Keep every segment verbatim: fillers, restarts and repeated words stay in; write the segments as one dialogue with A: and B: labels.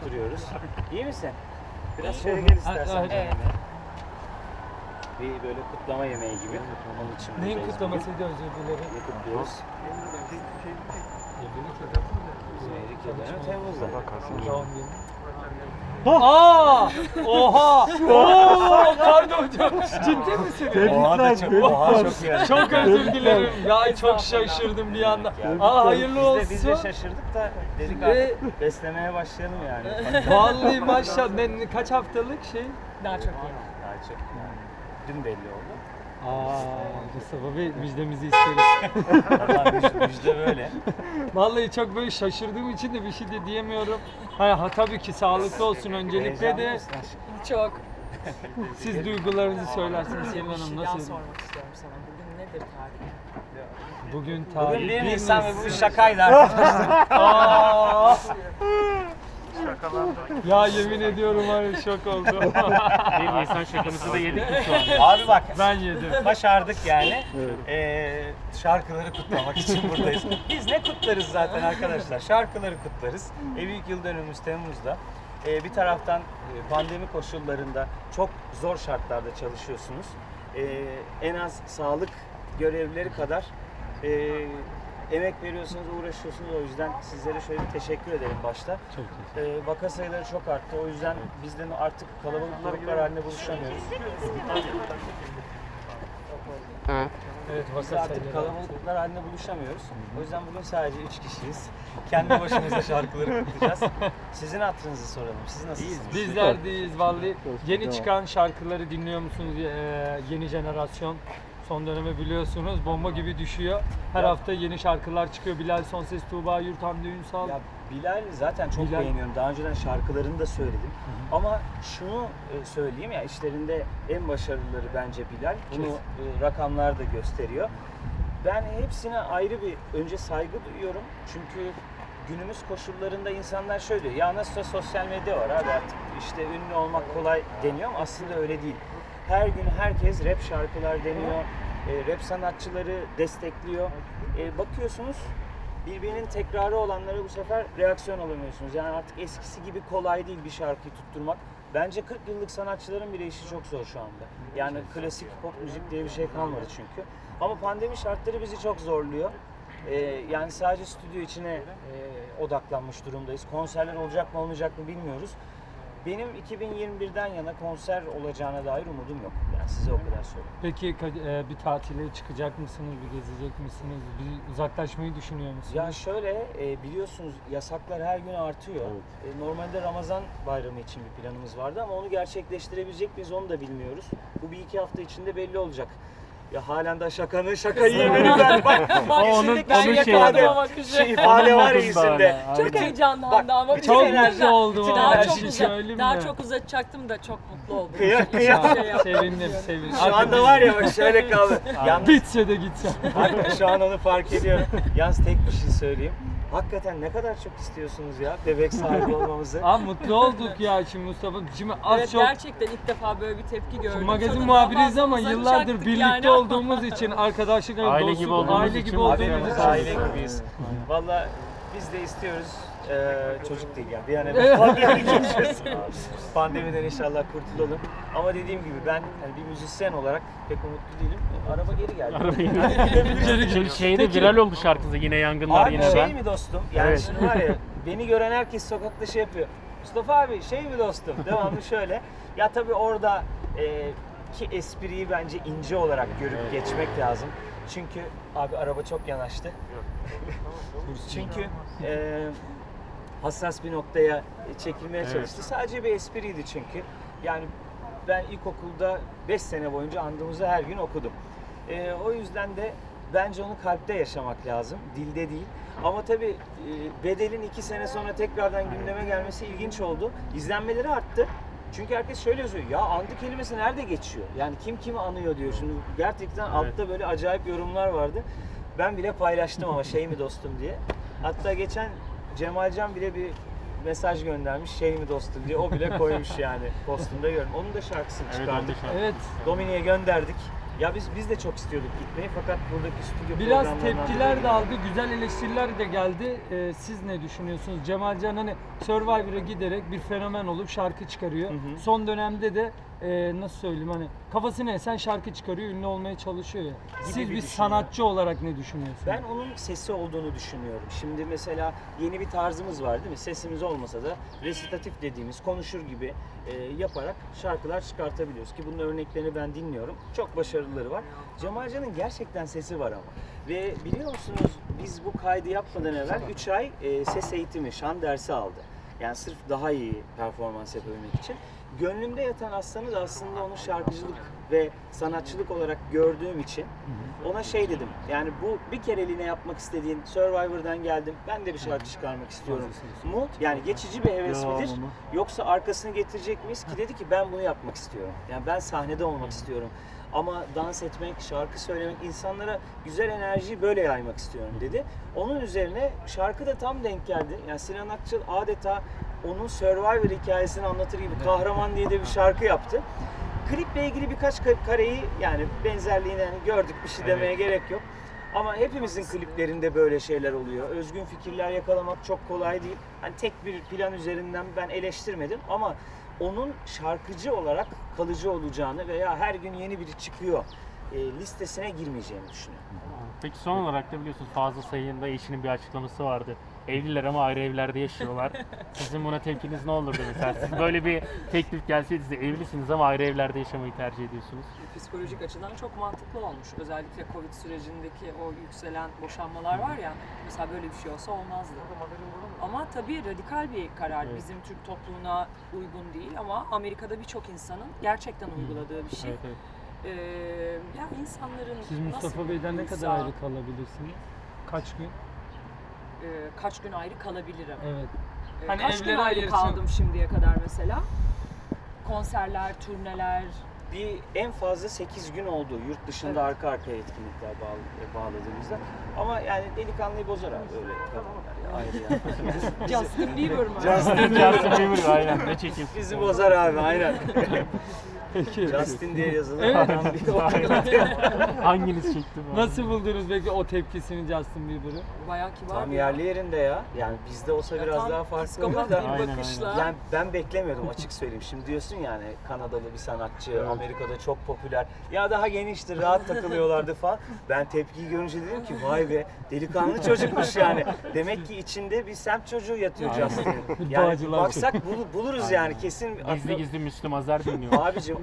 A: koşturuyoruz. İyi misin? Biraz şöyle gel istersen.
B: Evet.
A: benimle. Bir böyle kutlama yemeği gibi. Onun için
B: Neyin
A: buradayız
B: kutlamasıydı özür dilerim?
A: bugün. Ne kutluyoruz? Evlilik yıl dönümü Temmuz'da.
B: Doğum günü. Aa! Oha! Oo! Pardon hocam. Ciddi misiniz?
A: Oha da çok, oha çok iyi.
B: Çok özür dilerim. Ya çok şaşırdım bir anda. Aa hayırlı olsun.
A: Biz de, biz de şaşırdık da dedik
B: Ve-
A: artık beslemeye başlayalım yani.
B: Vallahi maşallah. Ben kaç haftalık şey?
C: Daha çok iyi.
A: Daha çok yani. Dün belli oldu.
B: Aa, Mustafa Bey müjdemizi isteriz.
A: Valla müjde, müjde böyle.
B: Vallahi çok böyle şaşırdığım için de bir şey de diyemiyorum. Ha, ha tabii ki sağlıklı olsun öncelikle
A: Heyecanlı
B: de.
A: mısın aşkım?
C: Çok.
B: Siz duygularınızı söylersiniz Selin
C: Bir şey
B: Hanım
C: daha
B: nasıl?
C: sormak istiyorum sana. Bugün nedir tarih?
B: Bugün tarih
A: Bugün bir
B: bir
A: Nisan ve
B: Nisan.
A: bu şakaydı arkadaşlar.
B: Aa! Ya yemin ediyorum var ya şok oldum.
D: Bir Nisan şakamızı da yedik mi şu an?
A: Abi bak
B: Ben yedim.
A: başardık yani. Ee, şarkıları kutlamak için buradayız. Biz ne kutlarız zaten arkadaşlar? Şarkıları kutlarız. E, büyük yıl dönümümüz Temmuz'da. Ee, bir taraftan e, pandemi koşullarında çok zor şartlarda çalışıyorsunuz. Ee, en az sağlık görevlileri kadar e, emek veriyorsunuz, uğraşıyorsunuz. O yüzden sizlere şöyle bir teşekkür ederim başta.
B: Çok teşekkür
A: Ee, vaka sayıları çok arttı. O yüzden biz de artık kalabalık gruplar halinde buluşamıyoruz.
B: Evet,
A: Biz
B: vaka
A: artık
B: sayıları.
A: kalabalıklar halinde buluşamıyoruz. O yüzden bugün sadece üç kişiyiz. Kendi başımıza şarkıları kutlayacağız. Sizin hatırınızı soralım. Siz nasılsınız?
B: Bizler deyiz vallahi. Yeni çıkan şarkıları dinliyor musunuz? Ee, yeni jenerasyon son dönemi biliyorsunuz bomba gibi düşüyor. Her
A: Ya-
B: hafta yeni şarkılar çıkıyor. Bilal Sonses, Tuğba Yurt, Hamdi Ünsal.
A: Ya Bilal zaten çok
B: Bilal-
A: beğeniyorum. Daha önceden şarkılarını da söyledim. Ama şunu e, söyleyeyim ya işlerinde en başarılıları bence Bilal. Bunu e, rakamlar da gösteriyor. Ben hepsine ayrı bir önce saygı duyuyorum. Çünkü günümüz koşullarında insanlar şöyle diyor. Ya nasılsa sosyal medya var abi artık işte ünlü olmak kolay deniyor ama aslında öyle değil. Her gün herkes rap şarkılar deniyor. E, rap sanatçıları destekliyor. E, bakıyorsunuz birbirinin tekrarı olanlara bu sefer reaksiyon alamıyorsunuz. Yani artık eskisi gibi kolay değil bir şarkıyı tutturmak. Bence kırk yıllık sanatçıların bile işi çok zor şu anda. Yani klasik pop müzik diye bir şey kalmadı çünkü. Ama pandemi şartları bizi çok zorluyor. Ee, yani sadece stüdyo içine e, odaklanmış durumdayız. Konserler olacak mı olmayacak mı bilmiyoruz. Benim iki bin yirmi birden yana konser olacağına dair umudum yok. Yani size o kadar söyleyeyim.
B: Peki ka- e, bir tatile çıkacak mısınız? Bir gezecek misiniz? Bir uzaklaşmayı düşünüyor musunuz?
A: Ya şöyle e, biliyorsunuz yasaklar her gün artıyor. E, normalde Ramazan bayramı için bir planımız vardı ama onu gerçekleştirebilecek miyiz onu da bilmiyoruz. Bu bir iki hafta içinde belli olacak. Ya halen de şakanın şakayı yemeni ben bak.
C: Bak
D: onun-
C: şimdi ben
D: onun şey
C: yakaladım
D: şeyi-
A: Şey ifade var ya
D: Onun modunda
A: yüzünde.
D: hala.
C: Çok
A: Bütün-
C: heyecanlandı ama
A: bütün
B: çok
A: enerji-
B: mutlu oldum
A: bütün
B: ama
C: Daha
B: her
C: çok
B: şeyi
C: uzat,
B: söyleyeyim
C: daha
B: mi?
C: çok uzatacaktım da çok mutlu oldum.
A: Kıya- kıya-
C: Şey yaptım.
B: Sevindim, sevindim.
A: Şu anda var ya bak şöyle kaldı. Yalnız
B: Bitse de gitse.
A: Hakikaten şu an onu fark ediyorum. Yalnız tek bir şey söyleyeyim. Hakikaten ne kadar çok istiyorsunuz ya bebek sahibi olmamızı.
B: Aa mutlu olduk ya şimdi Mustafa. Şimdi az
C: Evet
B: çok
C: gerçekten ilk defa böyle bir tepki gördüm.
B: Şimdi magazin
C: Sonunda
B: muhabiriyiz ama
C: fazla
B: yıllardır
C: uzatacaktık
B: birlikte
C: yani.
B: olduğumuz için arkadaşlık,
D: Aile
B: dostluk,
D: gibi olduğumuz
B: aile
D: için
B: gibi
D: mutluyuz.
B: olduğumuz
A: Hepimiz
B: için.
A: aile gibiyiz. Valla biz de istiyoruz. Ee, çocuk değil yani bir an evvel pandemiden geçmesin. Pandemiden inşallah kurtulalım. Ama dediğim gibi ben yani bir müzisyen olarak pek umutlu değilim. Araba geri geldi.
D: Şimdi şeyde viral oldu şarkısı yine yangınlar
A: Abi
D: yine
A: şey
D: ben.
A: mi dostum? Yani
D: Evet.
A: şimdi var ya beni gören herkes sokakta şey yapıyor. Mustafa abi şey mi dostum? Devamlı şöyle. Ya tabii orada e, ki espriyi bence ince olarak görüp geçmek lazım. Çünkü abi araba çok yanaştı. Çünkü e, hassas bir noktaya çekilmeye
D: Evet.
A: çalıştı. Sadece bir espriydi çünkü. Yani ben ilkokulda beş sene boyunca andımızı her gün okudum. E, o yüzden de bence onu kalpte yaşamak lazım, dilde değil. Ama tabii e, Bedel'in iki sene sonra tekrardan gündeme gelmesi ilginç oldu. İzlenmeleri arttı. Çünkü herkes şöyle yazıyor, ya andı kelimesi nerede geçiyor? Yani kim kimi anıyor diyor. Şimdi gerçekten altta böyle acayip yorumlar vardı. Ben bile paylaştım ama şey mi dostum diye. Hatta geçen Cemalcan bile bir mesaj göndermiş, şey mi dostum diye. O bile koymuş yani postunda gördüm. Onun da şarkısını
D: Evet,
A: çıkardık.
D: onu da şarkı.
B: Evet.
A: Domine'ye gönderdik. Ya biz biz de çok istiyorduk gitmeyi fakat buradaki stüdyo
B: Biraz
A: programlarından
B: tepkiler
A: dolayı-
B: de aldı, güzel eleştiriler de geldi. Ee, siz ne düşünüyorsunuz? Cemalcan hani Survivor'a giderek bir fenomen olup şarkı çıkarıyor.
A: Hı hı.
B: Son dönemde de e, nasıl söyleyeyim hani kafasına esen şarkı çıkarıyor, ünlü olmaya çalışıyor ya. Siz
A: bir
B: bir
A: düşünüyor.
B: sanatçı olarak ne düşünüyorsunuz?
A: Ben onun sesi olduğunu düşünüyorum. Şimdi mesela yeni bir tarzımız var değil mi? Sesimiz olmasa da resitatif dediğimiz konuşur gibi e, yaparak şarkılar çıkartabiliyoruz ki bunun örneklerini ben dinliyorum. Çok başarılıları var. Cemalcan'ın gerçekten sesi var ama. Ve biliyor musunuz biz bu kaydı yapmadan evvel üç ay e, ses eğitimi, şan dersi aldı. Yani sırf daha iyi performans yapabilmek için. Gönlümde yatan aslanı da aslında onu şarkıcılık ve sanatçılık olarak gördüğüm için ona şey dedim. Yani bu bir kereliğine yapmak istediğin Survivor'dan geldim. Ben de bir şarkı çıkarmak istiyorum. Mu? Yani geçici bir heves midir? Yoksa arkasını getirecek miyiz? Ki dedi ki ben bunu yapmak istiyorum. Yani ben sahnede olmak istiyorum. Ama dans etmek, şarkı söylemek, insanlara güzel enerjiyi böyle yaymak istiyorum dedi. Onun üzerine şarkı da tam denk geldi. Yani Sinan Akçıl adeta onun Survivor hikayesini anlatır gibi Kahraman diye de bir şarkı yaptı. Kliple ilgili birkaç ka- kareyi yani benzerliğini hani gördük, bir şey demeye gerek yok. Ama hepimizin kliplerinde böyle şeyler oluyor. Özgün fikirler yakalamak çok kolay değil. Hani tek bir plan üzerinden ben eleştirmedim ama onun şarkıcı olarak kalıcı olacağını veya her gün yeni biri çıkıyor e, listesine girmeyeceğini düşünüyorum.
D: Peki son olarak da biliyorsunuz Fazıl Sayı'nın da eşinin bir açıklaması vardı. Evliler ama ayrı evlerde yaşıyorlar. Sizin buna tepkiniz ne olurdu mesela? Siz böyle bir teklif gelseydi size evlisiniz ama ayrı evlerde yaşamayı tercih ediyorsunuz.
C: Psikolojik açıdan çok mantıklı olmuş. Özellikle Covid sürecindeki o yükselen boşanmalar var ya, mesela böyle bir şey olsa olmazdı. Ama tabii radikal bir karar.
D: Evet.
C: Bizim Türk toplumuna uygun değil ama Amerika'da birçok insanın gerçekten uyguladığı bir şey.
D: Evet, evet.
C: Ee, ya insanların
B: Siz Mustafa
C: nasıl
B: Bey'den ne
C: uysa,
B: kadar ayrı kalabilirsiniz? Kaç gün?
C: e, kaç gün ayrı kalabilirim?
B: Evet.
C: Ee,
B: Hani
C: kaç gün
B: evlere
C: ayrı
B: ayırsın-
C: kaldım şimdiye kadar mesela? Konserler, turneler.
A: Bir en fazla sekiz gün oldu yurt dışında
C: Evet.
A: arka arkaya etkinlikler bağlı, bağladığımızda. Ama yani delikanlıyı bozar abi öyle kadınlar ya, ayrı yani.
C: Justin Bieber mı?
A: Justin
D: Justin Bieber aynen ne çekim.
A: Bizi bozar abi aynen.
B: Peki.
A: Justin diye yazılı
B: Evet.
A: adam bir
D: Hanginiz çekti bu?
B: Nasıl buldunuz peki o tepkisini Justin Bieber'ı?
C: Bayağı kibar
A: Tam
C: bir
A: yerli yerinde ya. Yani bizde olsa
C: Ya
A: biraz
C: tam
A: daha farklı
C: psikopat
A: olur da.
C: bir
D: Aynen,
C: bakışla.
A: Yani ben beklemiyordum açık söyleyeyim. Şimdi diyorsun yani Kanadalı bir sanatçı, Amerika'da çok popüler. Ya daha geniştir, rahat takılıyorlardı falan. Ben tepkiyi görünce dedim ki vay be delikanlı çocukmuş yani. Demek ki içinde bir semt çocuğu yatıyor
D: Aynen.
A: Justin'in. Yani
B: Bağcılar
A: baksak bul- buluruz yani kesin.
D: Gizli gizli Müslüm Azer dinliyor.
A: Abicim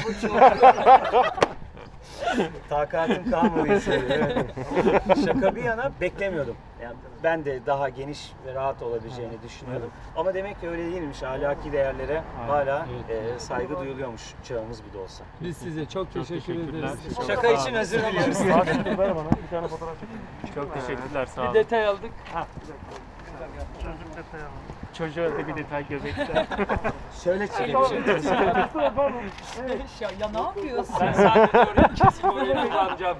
A: takatim kalmadı hiç öyle, evet. Şaka bir yana beklemiyordum. Yani ben de daha geniş ve rahat olabileceğini düşünüyordum. Ama demek ki öyle değilmiş. Ahlaki değerlere hala
B: Evet.
A: e, saygı duyuluyormuş çağımız bir de olsa.
B: Biz size çok teşekkür
D: teşekkürler.
B: ederiz.
D: Çok
A: Şaka
D: sağ
A: için
D: olun.
A: özür dileriz.
D: Ver bana bir tane fotoğraf çekin. Çok teşekkürler sağ
B: Bir
D: olun.
B: detay aldık.
D: Çocuğa da bir detay göbekte.
A: Şöyle çekelim.
C: ya, ya ne yapıyorsun?
B: Ben sadece oraya kesin oraya kullanacağım.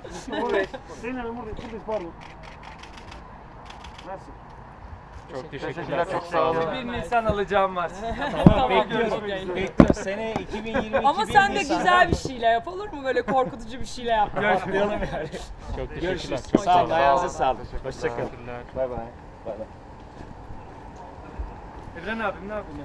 D: Çok teşekkürler. Çok sağ olun.
B: Bir Nisan alacağım var.
C: Tamam,
A: Bekliyoruz.
C: okey.
A: Bekliyoruz. Sene iki bin yirmi iki
C: Ama
A: bir
C: sen de
A: Nisan.
C: güzel bir şeyle yap, olur mu? Böyle korkutucu bir şeyle yap.
A: Atlayalım yani.
D: Çok teşekkürler.
A: Görüşürüz.
D: Çok
A: Sağ olun.
D: sağ
A: Ayağınıza sağlık. Hoşçakalın.
D: Teşekkürler.
A: Bay bay. Bay bay.
B: Evren abim ne yapıyorsun?